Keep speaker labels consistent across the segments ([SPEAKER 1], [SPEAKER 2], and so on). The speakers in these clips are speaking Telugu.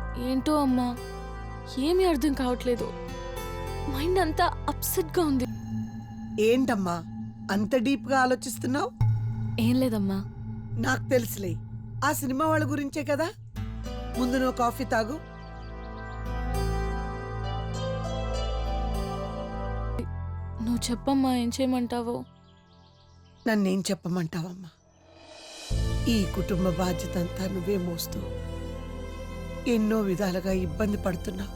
[SPEAKER 1] ఏంటో అమ్మా, ఏమీ అర్థం కావట్లేదు. మైండ్ అంతా అప్సెట్గా ఉంది.
[SPEAKER 2] ఏంటమ్మా అంత డీప్గా ఆలోచిస్తున్నావు?
[SPEAKER 1] ఏం లేదమ్మా.
[SPEAKER 2] నాకు తెలుసులే, ఆ సినిమా వాళ్ళ గురించే కదా. ముందు నువ్వు కాఫీ తాగు.
[SPEAKER 1] నువ్వు చెప్పమ్మా, ఏం చేయమంటావో.
[SPEAKER 2] నన్నేం చెప్పమంటావమ్మా? ఈ కుటుంబ బాధ్యత అంతా నువ్వే మోస్తూ ఎన్నో విధాలుగా ఇబ్బంది పడుతున్నావు.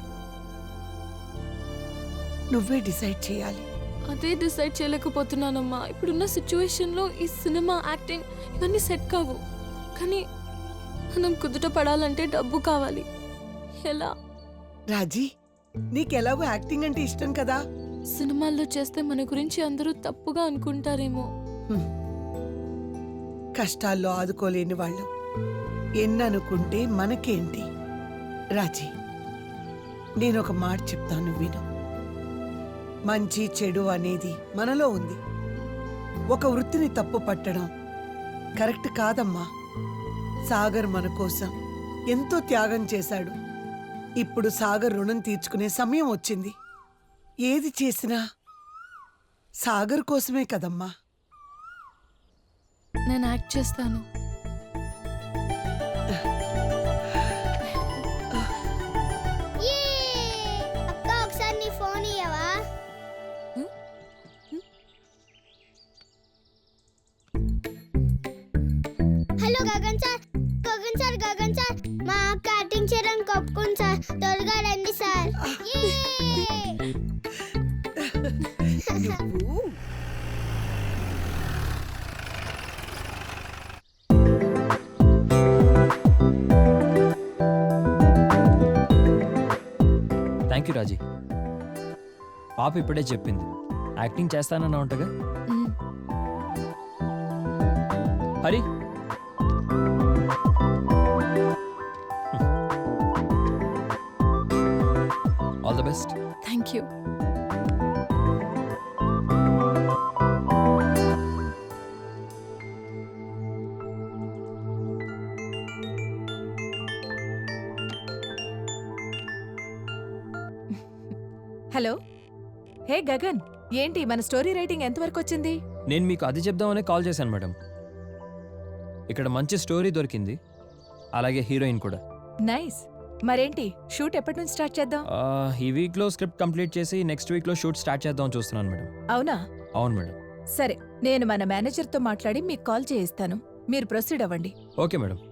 [SPEAKER 2] నువ్వే డిసైడ్ చేయాలి.
[SPEAKER 1] అదే డిసైడ్ చేయలేకపోతున్నానమ్మా. ఇప్పుడున్న సిచ్యువేషన్లో ఈ సినిమా, యాక్టింగ్ ఇవన్నీ సెట్ కావు. కానీ మనం కుదుట పడాలంటే డబ్బు కావాలి. ఎలా?
[SPEAKER 2] రాజీ, నీకెలాగో యాక్టింగ్ అంటే ఇష్టం కదా.
[SPEAKER 1] సినిమాల్లో చేస్తే మన గురించి అందరూ తప్పుగా అనుకుంటారేమో.
[SPEAKER 2] కష్టాల్లో ఆదుకోలేని వాళ్ళు ఎన్ననుకుంటే మనకేంటి? రాజీ, నేనొక మాట చెప్తాను, విను. మంచి చెడు అనేది మనలో ఉంది. ఒక వృత్తిని తప్పు పట్టడం కరెక్ట్ కాదమ్మా. సాగర్ మన కోసం ఎంతో త్యాగం చేశాడు. ఇప్పుడు సాగర్ రుణం తీర్చుకునే సమయం వచ్చింది. ఏది చేసినా సాగర్ కోసమే కదమ్మా.
[SPEAKER 1] నేను యాక్ట్ చేస్తాను.
[SPEAKER 3] అక్క ఒకసారి నీ ఫోన్ ఇయ్యవా? Hello Gagan sir, Gagan sir, Gagan sir, మా అక్క యాక్టింగ్ చేయడానికి ఒప్పుకుంది సార్. త్వరగా రండి సార్.
[SPEAKER 2] నువ్వు
[SPEAKER 4] థ్యాంక్ యూ రాజీ. పాప ఇప్పుడే చెప్పింది యాక్టింగ్ చేస్తానన్నా ఉంటగా. Hari, all the best.
[SPEAKER 1] Thank you.
[SPEAKER 5] Hello, hey Gagan, ఏంటి మన స్టోరీ రైటింగ్ ఎంతవరకు వచ్చింది?
[SPEAKER 4] నేను మీకు అది చెప్దామనే కాల్ చేశాను మేడం. ఇక్కడ మంచి స్టోరీ దొరికింది, అలాగే హీరోయిన్ కూడా.
[SPEAKER 5] నైస్. మరేంటి షూట్ ఎప్పటి నుంచి స్టార్ట్ చేద్దాం?
[SPEAKER 4] ఈ వీక్లో స్క్రిప్ట్ కంప్లీట్ చేసి నెక్స్ట్ వీక్లో షూట్ స్టార్ట్ చేద్దాం చూస్తున్నాను మేడం.
[SPEAKER 5] అవునా?
[SPEAKER 4] అవును మేడం.
[SPEAKER 5] సరే, నేను మన మేనేజర్తో మాట్లాడి మీకు కాల్ చేయిస్తాను. మీరు ప్రొసీడ్ అవ్వండి.
[SPEAKER 4] Okay madam.